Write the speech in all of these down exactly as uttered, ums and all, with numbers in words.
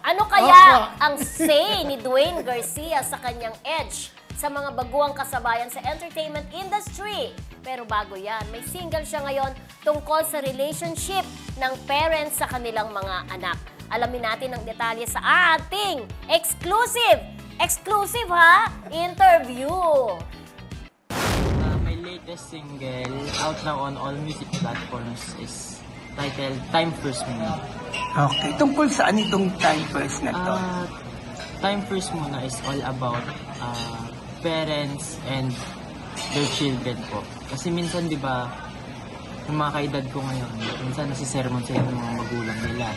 Ano kaya Opo. ang say ni Dwayne Garcia sa kanyang edge sa mga baguang kasabayan sa entertainment industry? Pero bago yan, may single siya ngayon tungkol sa relationship ng parents sa kanilang mga anak. Alamin natin ang detalye sa ating exclusive, exclusive ha, interview. Uh, my latest single, out now on all music platforms, is titled Time First Muna. Okay, tungkol saan itong time first na to? Uh, Time First Muna is all about uh, parents and their children po. Kasi minsan, di ba, yung mga kaedad ko ngayon, minsan nasisermon sila ng mga magulang nila.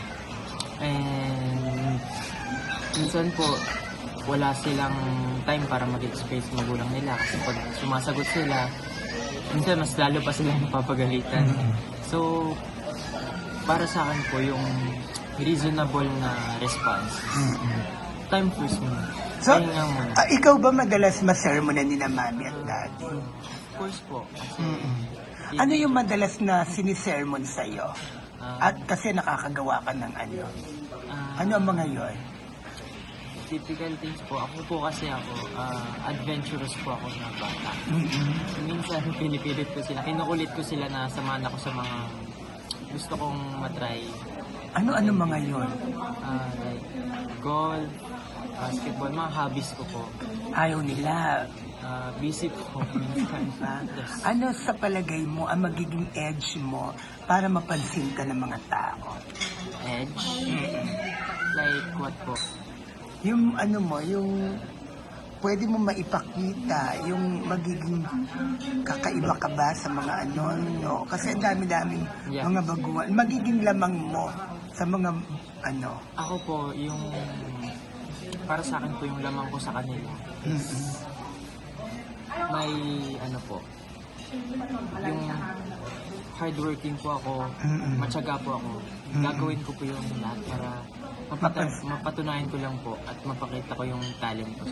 And minsan po, wala silang time para mag-express sa magulang nila. Kasi pag sumasagot sila, minsan mas lalo pa sila napapagalitan. So, para sa akin po, yung reasonable na response, time first muna. So, Pahinga muna. ah, ikaw ba madalas masermonan ni na mami at daddy? Of course po. Kasi, Ano yung madalas na sinisermon sa'yo? ah, At kasi nakakagawa ka ng ano? ah, Ano ang mga yon? typical things po. Ako po kasi ako, ah, adventurous po ako na bata. So, minsan, pinipilit ko sila. Kinukulit ko sila na samahan ako sa mga gusto kong matry. Ano-ano mga yon? Ah, like, golf, basketball, mga hobbies ko po. Ayaw nila. Ah, busy po minsan. Ah, Yes. ano sa palagay mo ang magiging edge mo para mapansin ka ng mga tao? Edge? Like what po? Yung ano mo, yung pwede mo maipakita, yung magiging kakaiba ka ba sa mga ano, no? Kasi ang dami-daming Yeah. mga baguhan. Magiging lamang mo sa mga ano. Ako po, yung para sa akin po yung lamang ko sa kanila is may ano po, yung hardworking po ako, Mm-mm. matyaga po ako. Gagawin ko po yung lahat para mapata- mapatunayan ko lang po at mapakita ko yung talent ko.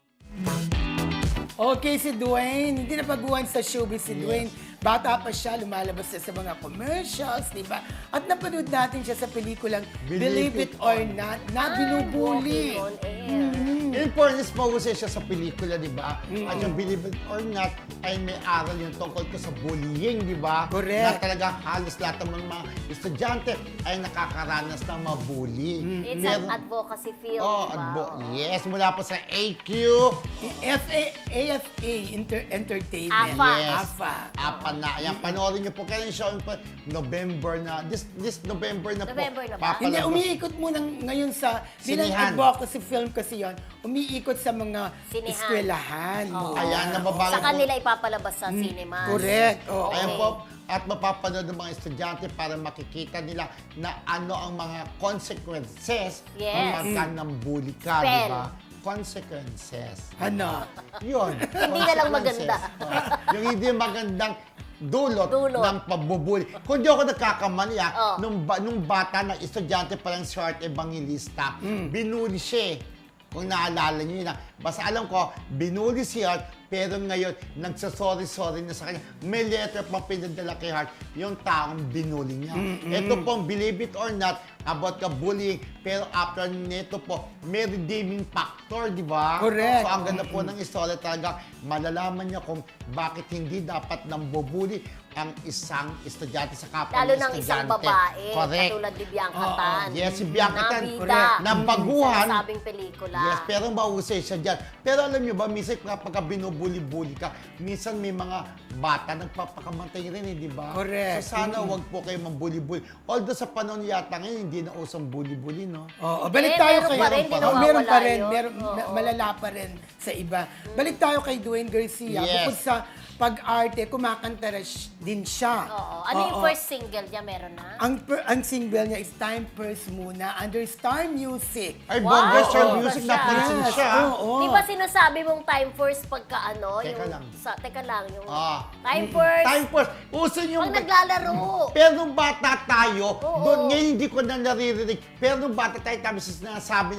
Okay, si Dwayne, hindi na baguhan sa showbiz si Dwayne. Bata pa siya, lumalabas siya sa mga commercials, di ba? At napanood natin siya sa pelikulang Believe, It or Not na binubuli. Walking on air. In fairness, mahusay siya sa pelikula, di ba? At yung Believe It or Not ay may aral yung tungkol ko sa bullying, di ba? Correct. Na talaga halos lahat ng mga estudyante ay nakakaranas ng mabully. It's Meron- an advocacy field, Oh, di ba? advo- Oo. yes, mula po sa A Q. F A A F A Inter- Entertainment. AFA. Yes. AFA. Apa na. Ayan, panoorin niyo po. Kaya yung show po, November na. This this November na po. November na ba? Hindi, papalabas. umiikot muna ngayon sa, bilang Sinihan. advocacy film kasi yon, umiikot sa mga Sinihan. eskwelahan. Oo. Ayan, nababago Sa po. kanila ipapalabas sa cinema. Correct. Oo. Ayan Okay. po, at mapapanood ng mga estudyante para makikita nila na ano ang mga consequences Yes. kapag ka nang bully ka, Spell. di ba? Consequences. Ano? Yun. Hindi na lang consequences. maganda. Oo. Yung hindi magandang dulot, Dulot. ng pabubuli. Kung di ako nagkakamali, ah, Oh. nung, ba, nung bata na estudyante pa lang si Art Evangelista, binuli siya eh. Kung naalala niyo yun, ah. Basta alam ko, binuli si Art, pero ngayon, nagsasorry-sorry na sa kanya. May letter pang pinadala kay Hart, yung taong binuli niya. Ito pong, believe it or not, about ka bullying, pero after nito po, may redeeming factor, di ba? Correct. So, ang ganda po ng istorya talaga, malalaman niya kung bakit hindi dapat nang bubuli ang isang estudyante sa kapwa Lalo ng ng isang estudyante. babae, Correct. katulad ni Bianca Tan. Yes, si Bianca Tan. Nabida. Correct. Ng baguhan. Sa sabing pelikula. Yes, pero mahusay siya dyan. Pero alam niyo ba, minsan kapag binubuli-buli ka, minsan may mga bata nagpapakamatay rin eh, di ba? Correct. So sana wag po kayo mambuli-buli. Although sa panahon yata ngayon, hindi na usang buli-buli, no? Oo, balik Eh, tayo meron kay... pa rin, di Oh, nawawala meron pa rin, yun. meron, Oo. na- malala pa rin sa iba. Balik tayo kay Dwayne Garcia. Yes. Bukod sa pag-arte, kumakanta rin sh- din siya. Oo. Ano yung Oo. first single niya? Meron na? Ang, per- ang single niya is Time First Muna under Star Music. Ay, Wow! bongga Star Oo. Music, Siya. napansin Yes, siya. oo. Di ba sinasabi mong time first pagka ano? Teka yung, lang. Sa, teka lang, yung Ah. time first. Time first. Uso yung... Pag naglalaro. Pero nung bata tayo, Oo. doon ngayon hindi ko na naririnig. Pero nung bata tayo, tabi sa sinasabi na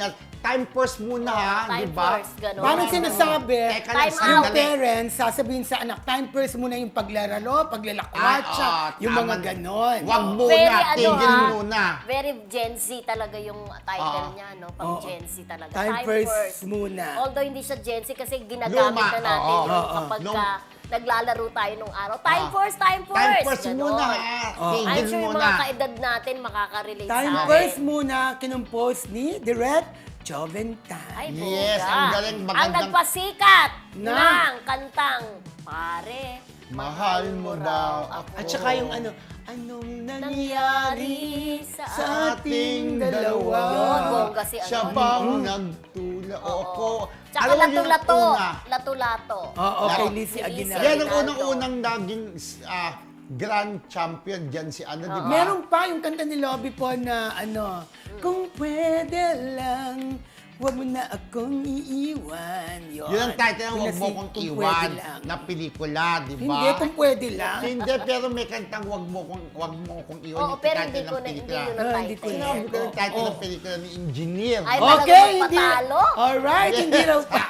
time first muna ha, Time di ba? first, ganun. Parang sinasabi, Teka lang, Time sandali. yung parents, sasabihin sa anak, time first muna yung paglalaro, paglalakwatsa, Ah, oh, yung tama. mga ganon. Wag Oo. muna, Very ano tigil ha, muna. very Gen Z talaga yung title Oo. niya, no? Pang Oo. Gen Z talaga. Time first muna. Although hindi siya Gen Z kasi ginagamit Luma, na natin oo. yung Oo. kapag Nung- ka naglalaro tayo nung araw. Time Ah. first, time first! Time first Ganon. muna ha, Oh. I'm tigil sure yung muna. mga kaedad natin makaka-relate Time sa atin. first muna, kinumpose ni Direct Joventine. Ay, Yes, bongga. ang galing, Ang magandang- nagpasikat Na- ng kantang Pare, Mahal mo ba ako? At saka yung ano, anong nangyari nangyari sa sa ating dalawa? Yun, bongga si ano. Siya bang nagtula? O ako. Tsaka Alam mo yung lato-lato. una? Lato-lato. Oo, kay Lato- Lizzie Lizzie Aguinaldo. Yan ang Aguinaldo. unang-unang naging ah, grand champion dyan si ano, di ba? Meron pa yung kanta ni Lobby po na ano, kung pwede lang, huwag mo na akong iiwan. Yun, Yun ang title ng Yung Huwag Mo nasi- Kong Kung Iwan Pwede Lang. na pelikula, di ba? Hindi, kung pwede lang. Hindi, pero may kantang Huwag Mo Kong, Huwag Mo Kong Iwan. Oo, yung pero title hindi ng ko na, hindi pelikula. yun Ah, ang hindi ko title. na. Sinabi ko yung title Oo. ng pelikula ni Engineer. Ay, Okay, talagang hindi. patalo. Alright, hindi raw